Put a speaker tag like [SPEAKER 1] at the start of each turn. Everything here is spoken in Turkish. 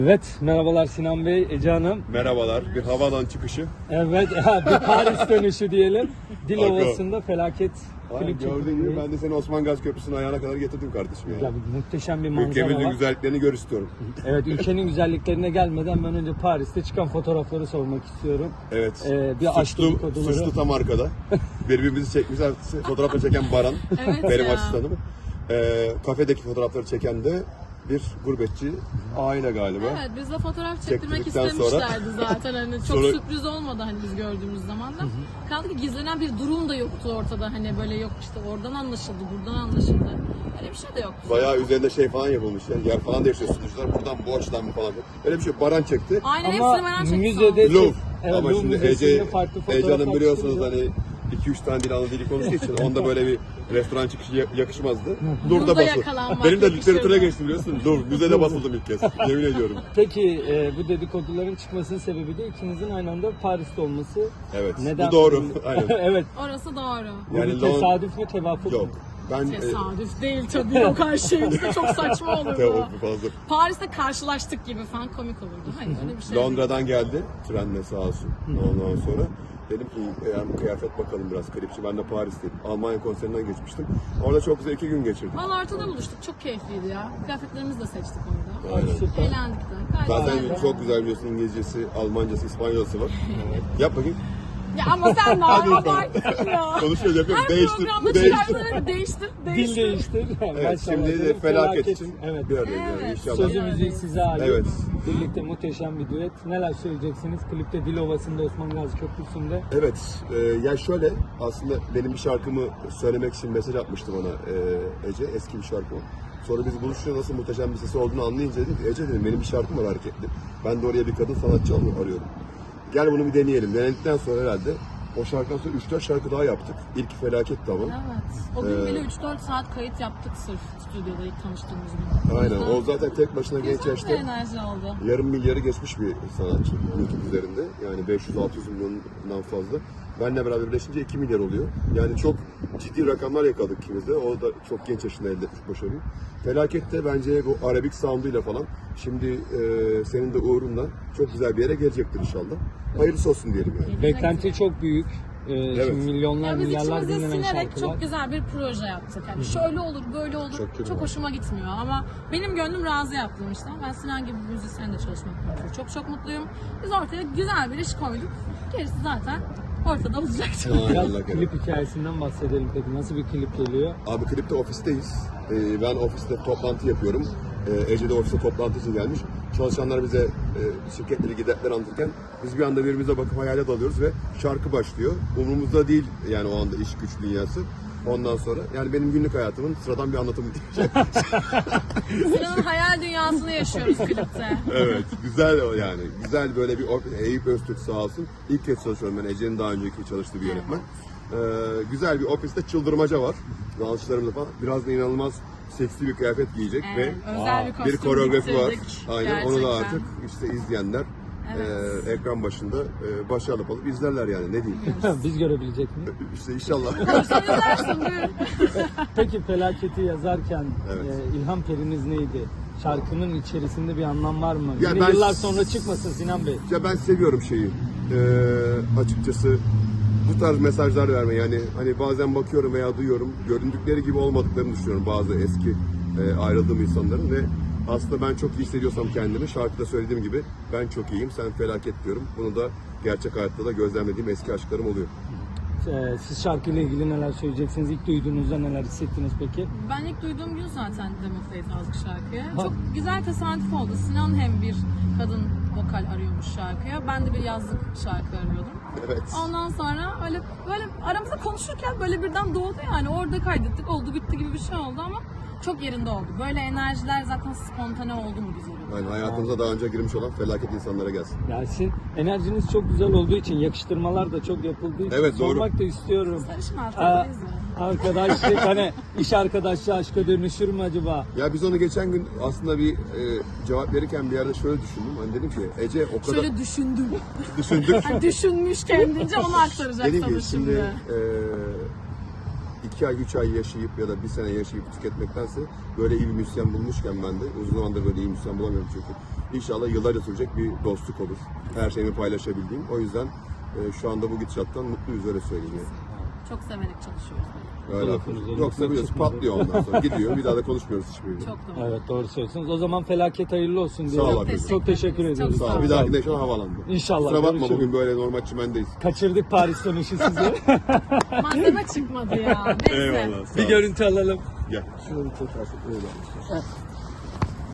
[SPEAKER 1] Evet, merhabalar Sinan Bey, Ece Hanım.
[SPEAKER 2] Merhabalar, bir havaalanı çıkışı.
[SPEAKER 1] Evet, bir Paris dönüşü diyelim. Dilovası'nda felaket klip
[SPEAKER 2] Gördüğün gibi ben de seni Osman Gazi Köprüsü'nün ayağına kadar getirdim kardeşim yani.
[SPEAKER 1] Ya, muhteşem bir manzara
[SPEAKER 2] Ülkemizin
[SPEAKER 1] var.
[SPEAKER 2] güzelliklerini gör istiyorum.
[SPEAKER 1] Evet, ülkenin güzelliklerine gelmeden ben önce Paris'te çıkan fotoğrafları sormak istiyorum.
[SPEAKER 2] Evet,
[SPEAKER 1] Bir aşk dedikoduları.
[SPEAKER 2] suçlu tam arkada. Birbirimizi çekmişler, fotoğrafları çeken Baran,
[SPEAKER 3] Evet
[SPEAKER 2] benim
[SPEAKER 3] ya.
[SPEAKER 2] asistanım. Kafedeki fotoğrafları çeken de bir gurbetçi aile galiba.
[SPEAKER 3] Evet, bizle fotoğraf çektirmek
[SPEAKER 2] Çektirdikten
[SPEAKER 3] istemişlerdi zaten. Hani çok
[SPEAKER 2] Sonra-
[SPEAKER 3] sürpriz olmadı hani biz gördüğümüz zaman da. Kaldı ki gizlenen bir durum da yoktu ortada. Hani böyle yok işte oradan anlaşıldı, buradan anlaşıldı. Öyle bir şey de yoktu.
[SPEAKER 2] Bayağı üzerinde şey falan yapılmış yani. Yer falan değişiyor sunucular. Buradan bu açıdan mı falan. Öyle bir şey yok. Baran çekti.
[SPEAKER 3] Aynen
[SPEAKER 1] Ama
[SPEAKER 3] hepsini merak ettim.
[SPEAKER 1] müzede
[SPEAKER 2] Louvre.
[SPEAKER 1] Evet,
[SPEAKER 2] Ama
[SPEAKER 1] Louvre
[SPEAKER 2] şimdi
[SPEAKER 1] Müzesi'nde farklı
[SPEAKER 2] Ece
[SPEAKER 1] fotoğraf
[SPEAKER 2] Hanım biliyorsunuz
[SPEAKER 1] atıştıracağız.
[SPEAKER 2] hani 2-3 tane dil ana dili konuştuğu için onda böyle bir restoran çıkışı yakışmazdı.
[SPEAKER 3] Burada
[SPEAKER 2] Louvre'da basıldı.
[SPEAKER 3] yakalanmak
[SPEAKER 2] Benim de
[SPEAKER 3] yakışırdı.
[SPEAKER 2] literatüre geçtim biliyorsun. Louvre, müzede basıldım ilk kez. Yemin ediyorum.
[SPEAKER 1] Peki bu dedikoduların çıkmasının sebebi de ikinizin aynı anda Paris'te olması.
[SPEAKER 2] Evet.
[SPEAKER 1] Neden?
[SPEAKER 2] Bu doğru. Aynen.
[SPEAKER 1] Evet.
[SPEAKER 3] Orası doğru.
[SPEAKER 1] Bu
[SPEAKER 2] Yani
[SPEAKER 1] bir tesadüf mü, tevafuk
[SPEAKER 2] Yok.
[SPEAKER 1] mu?
[SPEAKER 2] Ben
[SPEAKER 3] Tesadüf değil tabii. Yok her şeyimizde çok saçma olurdu.
[SPEAKER 2] Tevafuk fazla.
[SPEAKER 3] Paris'te karşılaştık gibi falan komik olurdu. Hayır öyle bir şey değil.
[SPEAKER 2] Londra'dan geldi trenle sağ olsun. Ondan sonra dedim ki eğer kıyafet bakalım biraz klipçi. Ben de Paris'teyim. Almanya konserinden geçmiştim. Orada çok güzel 2 gün geçirdim.
[SPEAKER 3] Valla ortada buluştuk. Çok keyifliydi ya. Kıyafetlerimizi de seçtik orada.
[SPEAKER 2] Aynen.
[SPEAKER 1] Süper.
[SPEAKER 3] Eğlendik de. Gayet
[SPEAKER 2] Zaten
[SPEAKER 3] güzeldi.
[SPEAKER 2] çok güzel biliyorsun İngilizcesi, Almancası, İspanyolcası var. Yap bakayım.
[SPEAKER 3] Ya ama sen de abarttın ya.
[SPEAKER 2] Konuşuyor yapıyorum.
[SPEAKER 3] Her
[SPEAKER 2] Değiştir.
[SPEAKER 3] programda
[SPEAKER 2] Değiştir.
[SPEAKER 3] çıkartları değiştir.
[SPEAKER 1] Dil değiştir.
[SPEAKER 2] Evet, şimdi de felaket için bir aradayız yani
[SPEAKER 3] Evet.
[SPEAKER 2] inşallah.
[SPEAKER 1] Sözü müziği size ait.
[SPEAKER 2] Evet.
[SPEAKER 1] Birlikte muhteşem bir düet. Neler söyleyeceksiniz? Klipte Dilovası'nda Osman Gazi Köprüsü'nde.
[SPEAKER 2] Evet, ya şöyle aslında benim bir şarkımı söylemek için mesaj atmıştı bana Ece, eski bir şarkı o. Sonra biz buluşunca nasıl muhteşem bir sesi olduğunu anlayınca dedim ki Ece dedim benim bir şarkım var hareketli. Ben de oraya bir kadın sanatçı arıyorum. Gel bunu bir deneyelim. Denedikten sonra herhalde o şarkıdan sonra 3-4 şarkı daha yaptık. İlk felaketti ama.
[SPEAKER 3] Evet. O gün bile 3-4 saat kayıt yaptık sırf stüdyoda ilk tanıştığımız gün.
[SPEAKER 2] Aynen, o zaten tek başına genç
[SPEAKER 3] Güzel bir
[SPEAKER 2] yaşta
[SPEAKER 3] enerji oldu.
[SPEAKER 2] yarım milyarı geçmiş bir sanatçı YouTube üzerinde. Yani 500-600 milyondan fazla. Benle beraber birleşince 2 milyar oluyor. Yani çok ciddi rakamlar yakaladık ikimiz de. O da çok genç yaşında elde etmiş başarıyı. Felaket de bence bu Arabik sound'uyla falan şimdi senin de uğrunla çok güzel bir yere gelecektir inşallah. Hayırlısı olsun diyelim yani.
[SPEAKER 1] Beklenti çok büyük.
[SPEAKER 2] Evet.
[SPEAKER 1] Şimdi milyonlar,
[SPEAKER 3] Ya biz
[SPEAKER 1] milyarlar
[SPEAKER 3] içimize
[SPEAKER 1] dinlenen
[SPEAKER 3] sinerek
[SPEAKER 1] şarkılar.
[SPEAKER 3] çok güzel bir proje yaptık. Yani şöyle olur, böyle olur.
[SPEAKER 2] Çok güzel.
[SPEAKER 3] Çok hoşuma gitmiyor ama benim gönlüm razı yaptığım işten. Ben Sinan gibi bir müzisyenle çalışmaktan çok mutluyum. Biz ortaya güzel bir iş koyduk. Gerisi zaten ortada olacaktı.
[SPEAKER 1] Biraz
[SPEAKER 2] Allah kerim.
[SPEAKER 1] klip hikayesinden bahsedelim peki. Nasıl bir klip geliyor?
[SPEAKER 2] Abi klipte ofisteyiz. Ben ofiste toplantı yapıyorum. Ece de ofiste toplantı için gelmiş. Çalışanlar bize şirketleri giderler anlatırken biz bir anda birbirimize bakıp hayale dalıyoruz ve şarkı başlıyor. Umurumuzda değil yani o anda iş güç dünyası. Ondan sonra yani benim günlük hayatımın sıradan bir anlatımı diyeceğim.
[SPEAKER 3] Sinan'ın hayal dünyasını yaşıyoruz klipte.
[SPEAKER 2] Evet, güzel o yani. Güzel böyle bir Eyüp Öztürk sağ olsun. İlk kez çalışıyorum ben. Ece'nin daha önceki çalıştığı bir yönetmen. Güzel bir ofiste çıldırmaca var. Dansçılarımla falan. Biraz da inanılmaz seksi bir kıyafet giyecek
[SPEAKER 3] Evet, özel bir
[SPEAKER 2] ve
[SPEAKER 3] kostüm
[SPEAKER 2] bir koreografi var.
[SPEAKER 3] diktirdik
[SPEAKER 2] Aynen onu da
[SPEAKER 3] gerçekten.
[SPEAKER 2] artık işte izleyenler
[SPEAKER 3] Evet.
[SPEAKER 2] ekran başında başarılı alıp izlerler yani ne diyeyim.
[SPEAKER 1] Biz görebilecek miyiz?
[SPEAKER 2] İşte inşallah.
[SPEAKER 3] Sen izlersin buyurun.
[SPEAKER 1] Peki felaketi yazarken
[SPEAKER 2] Evet.
[SPEAKER 1] ilham periniz neydi? Şarkının içerisinde bir anlam var mı?
[SPEAKER 2] Ya
[SPEAKER 1] Yine
[SPEAKER 2] ben-
[SPEAKER 1] yıllar sonra çıkmasın Sinan Bey.
[SPEAKER 2] Ya ben seviyorum şeyi. Açıkçası bu tarz mesajlar vermeyi yani hani bazen bakıyorum veya duyuyorum göründükleri gibi olmadıklarını düşünüyorum bazı eski ayrıldığım insanların ve aslında ben çok iyi hissediyorsam kendimi şarkıda söylediğim gibi ben çok iyiyim sen felaket diyorum. Bunu da gerçek hayatta da gözlemlediğim eski aşklarım oluyor.
[SPEAKER 1] Siz şarkıyla ilgili neler söyleyeceksiniz? İlk duyduğunuzda neler hissettiniz peki?
[SPEAKER 3] Ben ilk duyduğum gün zaten Demofeyt yazdık şarkıya. Çok güzel tesadüf oldu. Sinan hem bir kadın vokal arıyormuş şarkıya. Ben de bir yazlık şarkı arıyordum.
[SPEAKER 2] Evet.
[SPEAKER 3] Ondan sonra böyle aramızda konuşurken böyle birden doğdu yani. Orada kaydettik. Oldu bitti gibi bir şey oldu ama çok yerinde oldu. Böyle enerjiler zaten spontane oldu mu güzel oluyor.
[SPEAKER 2] Yani hayatımıza daha önce girmiş olan felaket insanlara gelsin.
[SPEAKER 1] Ya sizin enerjiniz çok güzel olduğu için, yakıştırmalar da çok yapıldığı için
[SPEAKER 2] Evet, doğru.
[SPEAKER 1] sormak da istiyorum.
[SPEAKER 3] Sarışın arkadayız ya.
[SPEAKER 1] Arkadaşlık hani iş arkadaşlığı aşka dönüşür mü acaba?
[SPEAKER 2] Ya biz onu geçen gün aslında bir cevap verirken bir yerde şöyle düşündüm. Hani dedim ki Ece o kadar
[SPEAKER 3] Şöyle düşündüm.
[SPEAKER 2] düşündük.
[SPEAKER 3] Yani düşünmüş kendince onu aktaracak
[SPEAKER 2] Dedim
[SPEAKER 3] sana
[SPEAKER 2] ki şimdi
[SPEAKER 3] şimdi.
[SPEAKER 2] 2 ay 3 ay yaşayıp ya da 1 sene yaşayıp tüketmektense böyle iyi bir müzisyen bulmuşken ben de uzun zamandır böyle iyi müzisyen bulamıyorum çünkü. İnşallah yıllarca sürecek bir dostluk olur. Her şeyimi paylaşabildiğim. O yüzden şu anda bu gidişattan mutluyuz, öyle söyleyeyim yani.
[SPEAKER 3] Çok severek çalışıyoruz.
[SPEAKER 2] Öyle.
[SPEAKER 1] Lafınız
[SPEAKER 2] Yoksa biliyorsun patlıyor ondan sonra. Gidiyor, bir daha da konuşmuyoruz hiçbiriyle.
[SPEAKER 3] Çok doğru.
[SPEAKER 1] Evet, doğru söylüyorsunuz. O zaman felaket hayırlı olsun diye.
[SPEAKER 2] Sağ ol abi.
[SPEAKER 1] Çok teşekkür ediyoruz.
[SPEAKER 3] Çok
[SPEAKER 2] Sağ ol. Bir dahaki de şu an havalandı.
[SPEAKER 1] İnşallah.
[SPEAKER 2] Kusura bakma,
[SPEAKER 1] görüşürüz.
[SPEAKER 2] bugün böyle normal çimendeyiz.
[SPEAKER 1] Kaçırdık Paris dönüşü sizi.
[SPEAKER 3] Malzeme çıkmadı ya. Neyse.
[SPEAKER 2] Eyvallah. Sağ
[SPEAKER 1] Bir
[SPEAKER 2] ol.
[SPEAKER 1] görüntü alalım.
[SPEAKER 2] Gel.
[SPEAKER 1] Şunu bir çekersek.